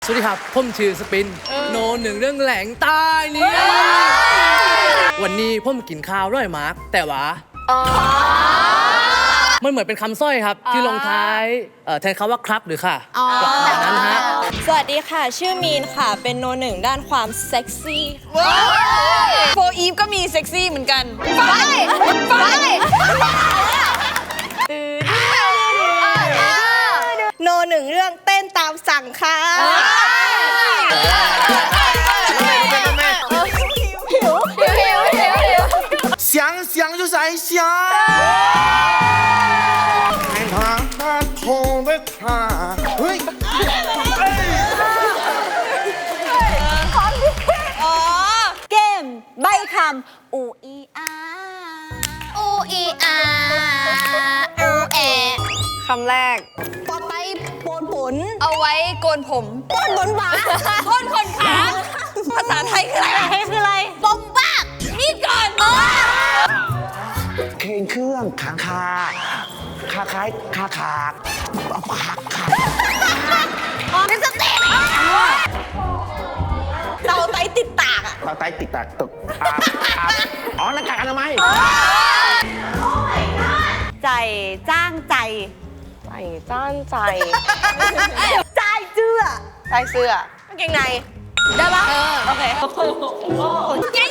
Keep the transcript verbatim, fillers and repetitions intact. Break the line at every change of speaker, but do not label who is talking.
สวัสดีครับผมชื่อสปินโนหนึ่งเรื่องแหลงใต้นี่วันนี้ผมกินข้าวด้วยมาร์กแต่ว่ามันเหมือนเป็นคำสร้อยครับที่ลงท้ายแทนคำว่าครับหรือค่ะแบบนั้นฮะ
สวัสดีค่ะชื่อมีนค่ะเป็นโนหนึ่งด้านความเซ็กซี่โฟอีฟก็มีเซ็กซี่เหมือนกันไปไปโนหนึ่งเรื่องเต้นตามสั่งค่ะหิวหิวหิวหิวหิว
想想就在想，看他那痛的他，喂，
อ๋อเกมใบคำอูอีอาอูอีอาอูแอคำแรกต่อไปโปนผลเอาไว้โกนผมโกนบนบ่าโกนขนขาภาษาไทยคืออะไรคืออะไรบอมบ้านี่ก่อน
เครื่องเครื่องขาขาขาคล้ายขาขาขาขา
เป็นสเต็ปเราไตติดตากอะ
เราไตติดตากตกอ๋อหน้ากากอนามัย
ใจจ้างใจใจจ้างใจใจเสื้อใจเสื้อกางเกงในได้ปะโอเคเกง